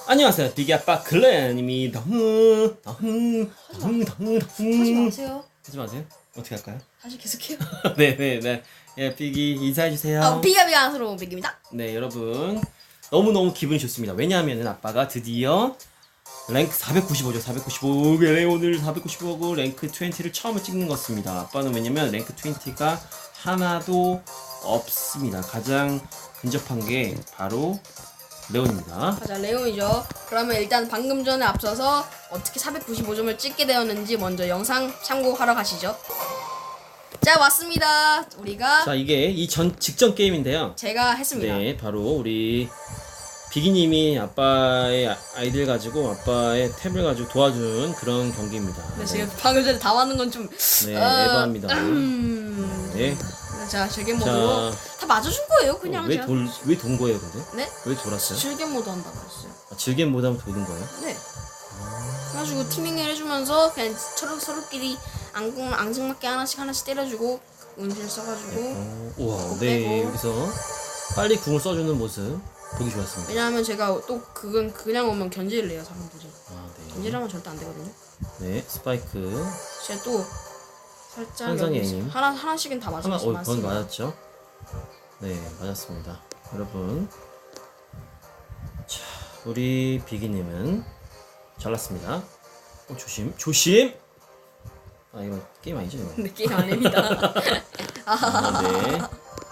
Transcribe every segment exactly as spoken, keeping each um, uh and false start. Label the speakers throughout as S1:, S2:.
S1: 안녕하세요, 비기 아빠 글렌입니다. 흥, 흥, 흥, 흥,
S2: 하지 마세요.
S1: 하지 마세요. 어떻게 할까요?
S2: 다시 계속해요.
S1: 네, 네, 네. 예, 비기 인사해 주세요.
S2: 아, 비가 비가 안스러운 비기입니다.
S1: 네, 여러분 너무 너무 기분이 좋습니다. 왜냐하면은 아빠가 드디어 랭크 사백구십오죠. 사백구십오. 네, 오늘 사백구십오고 랭크 이십를 처음 찍는 것 같습니다. 아빠는 왜냐면 랭크 이십가 하나도 없습니다. 가장 근접한 게 바로 레온입니다.
S2: 자, 레온이죠. 그러면 일단 방금 전에 앞서서 어떻게 사백구십오 점을 찍게 되었는지 먼저 영상 참고하러 가시죠. 자, 왔습니다. 우리가
S1: 자, 이게 이 전 직전 게임인데요.
S2: 제가 했습니다.
S1: 네, 바로 우리 비기님이 아빠의 아이들 가지고 아빠의 탭을 가지고 도와준 그런 경기입니다.
S2: 근데 지금 방금 전에 다 맞는 건 좀
S1: 네,
S2: 어,
S1: 에바입니다.
S2: 음...
S1: 네.
S2: 자, 즐겜 모드로 다 맞아준 거예요. 그냥
S1: 왜
S2: 제가.
S1: 돌, 왜 돈 거예요, 근데?
S2: 네?
S1: 왜 돌았어요?
S2: 즐겜 모드 한다고 했어요.
S1: 아, 즐겜 못하면 도는 거예요?
S2: 네. 그래가지고 티밍을 해주면서 그냥 서로 서로끼리 앙 앙증맞게 하나씩 하나씩 때려주고 운실 써가지고.
S1: 어, 우와,
S2: 그거
S1: 네,
S2: 빼고.
S1: 여기서 빨리 궁을 써주는 모습 보기 좋았습니다.
S2: 왜냐하면 제가 또 그건 그냥 오면 견제를 해요 사람들이.
S1: 아, 네.
S2: 견제하면 절대 안 되거든요.
S1: 네, 스파이크
S2: 제가 또 살짝
S1: 천상의
S2: 여기
S1: 애님.
S2: 하나 하나씩은 다
S1: 하나,
S2: 맞았어요.
S1: 어, 건 맞았죠? 네, 맞았습니다. 여러분, 자, 우리 비기님은 잘났습니다. 어, 조심, 조심. 아, 이거 게임 아니죠, 이거?
S2: 근데 게임 아닙니다.
S1: 아, 네.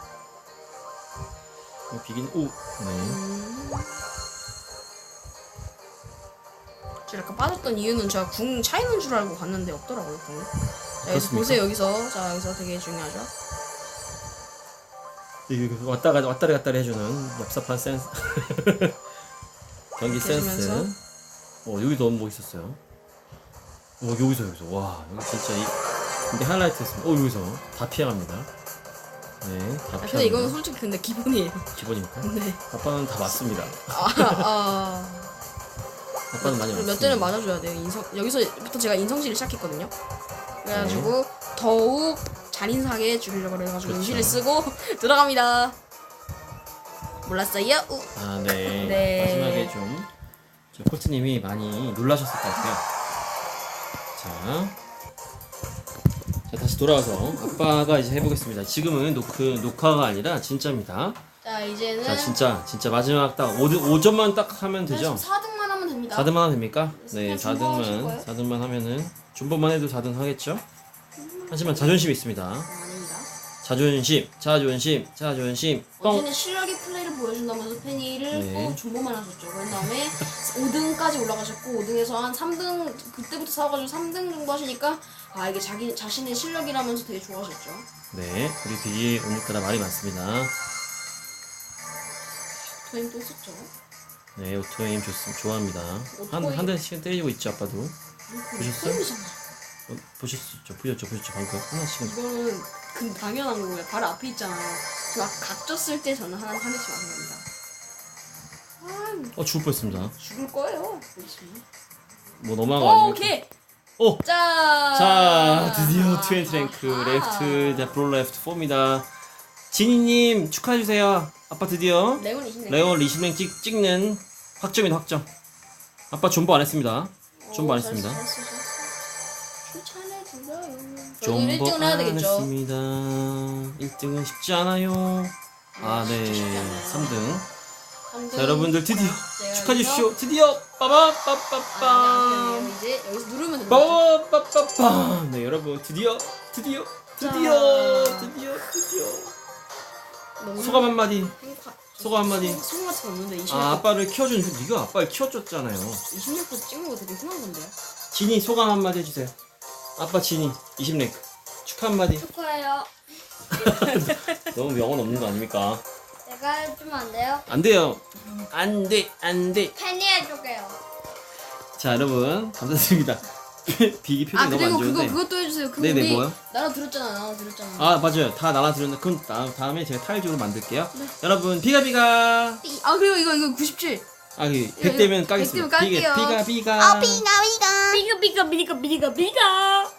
S1: 어, 비기님, 오, 네.
S2: 음. 제가 약간 빠졌던 이유는 제가 궁 차이는 줄 알고 갔는데 없더라고요 궁. 자, 여기서
S1: 그렇습니까?
S2: 보세요 여기서. 자, 여기서 되게 중요하죠.
S1: 이거 왔다 가 왔다리 갔다리 해주는 얍삽한 센스. 경기 센스.
S2: 해주면서.
S1: 어, 여기도 너무 멋있었어요. 어, 여기서 여기서 와, 여기 진짜 이 근데 하이라이트였습니다. 어, 여기서 다 피해갑니다. 네, 다
S2: 아,
S1: 피해갑니다.
S2: 근데 이거는 솔직히 근데 기본이에요.
S1: 기본입니까?
S2: 네.
S1: 아빠는 다 맞습니다.
S2: 아, 아.
S1: 아빠는 많이
S2: 몇
S1: 맞습니다.
S2: 대는 맞아줘야 돼요. 인성 여기서부터 제가 인성질을 시작했거든요. 그래가지고 더욱 잔인하게 죽이려고 그래가지고
S1: 그렇죠.
S2: 인실을 쓰고 들어갑니다. 몰랐어요? 우.
S1: 아, 네.
S2: 네.
S1: 마지막에 좀 저 코트님이 많이 놀라셨을 것 같아요. 자, 자 다시 돌아와서 아빠가 이제 해보겠습니다. 지금은 노크 녹화가 아니라 진짜입니다.
S2: 자, 이제는
S1: 자, 진짜 진짜 마지막 딱 오 점만 딱 하면 되죠?
S2: 사 등만 하면 됩니다.
S1: 사 등만 하면 됩니까? 네,
S2: 그냥 존버하실
S1: 사 등만
S2: 거예요?
S1: 사 등만 하면은 존버만 해도 사 등 하겠죠? 하지만 자존심이 있습니다.
S2: 어, 아닙니다.
S1: 자존심, 자존심, 자존심. 뻥.
S2: 어제는 실력의 플레이를 보여준다면서 페니를
S1: 네.
S2: 또 존버만 하셨죠. 그런 다음에 오 등까지 올라가셨고 오 등에서 한 삼 등 그때부터 사와가지고 삼 등 정도 하시니까 아 이게 자기 자신의 실력이라면서 되게 좋아하셨죠.
S1: 네, 우리 비기 오늘따라 말이 많습니다.
S2: 토임 또 썼죠.
S1: 네, 오토에임 좋습니다. 좋아합니다. 한,
S2: 오토에임.
S1: 한 대씩 때리고 있죠, 아빠도. 보셨어요?
S2: 토임이잖아.
S1: 어, 보셨죠? 보셨죠? 보셨죠? 방금 하나씩은.
S2: 이거는 그 당연한 거고요. 바로 앞에 있잖아요. 막 각졌을 때 저는 하나 한 대씩 맞는 겁니다. 아,
S1: 어, 죽을 뻔했습니다.
S2: 죽을 거예요. 보시면.
S1: 뭐 너무한 거
S2: 오,
S1: 아니에요?
S2: 오케이.
S1: 오!
S2: 자.
S1: 자, 드디어 이십 랭크,
S2: 아하.
S1: 레프트, 자, 프로 레프트 사입니다. 지니님, 축하해주세요. 아빠 드디어
S2: 레온 이십 랭크.
S1: 레온 이십 랭크 찍, 찍는 확정이다, 확정. 아빠 존버 안 했습니다. 존버 안 했습니다.
S2: 저는 일 등을 해야
S1: 안
S2: 되겠죠.
S1: 했습니다. 일 등은 쉽지 않아요. 아,
S2: 진짜 쉽지
S1: 네.
S2: 않아요.
S1: 삼 등.
S2: 삼 등.
S1: 자, 여러분들 드디어
S2: 제가
S1: 축하해
S2: 여기서-
S1: 주십시오. 드디어
S2: 아,
S1: 빠바빠빠빰.
S2: 아니요, 이제 여기서 누르면 됩니다.
S1: 빠바빠빠빰. 네, 여러분 드디어 드디어 드디어
S2: 자.
S1: 드디어 드디어
S2: 너무
S1: 소감 한마디.
S2: 행복하-
S1: 소감 한마디.
S2: 소- 소감 같은 거 없는데 이십
S1: 아,
S2: 랭크
S1: 아빠를 키워준 네가 아빠를 키워줬잖아요.
S2: 이십 랭크 찍는 거 되게 흔한 건데요.
S1: 진이 소감 한마디 해주세요. 아빠 진이 이십 랭크 축하 한마디.
S3: 축하해요.
S1: 너무 명언 없는 거 아닙니까?
S3: 내가 해주면 안 돼요?
S1: 안 돼요. 안 돼, 안 돼.
S3: 팬이 해줄게요.
S1: 자, 여러분 감사드립니다. 비기 표정이
S2: 아,
S1: 너무 안
S2: 그리고 그거
S1: 좋은데.
S2: 그것도 해주세요. 그거
S1: 네네,
S2: 우리
S1: 뭐요?
S2: 나라 들었잖아. 나라 들었잖아.
S1: 아, 맞아요. 다 날아들었는데 그럼 다음, 다음에 제가 타일적으로 만들게요. 여러분 비가 비가.
S2: 이- 아, 그리고 이거 이거 구십칠.
S1: 아, 그
S2: 이거,
S1: 백 되면
S2: 이거
S1: 까겠습니다.
S2: 백 되면 깔게요.
S1: 비가 비가 비가.
S3: 비가 비가 비가 비가 비가 비가 비가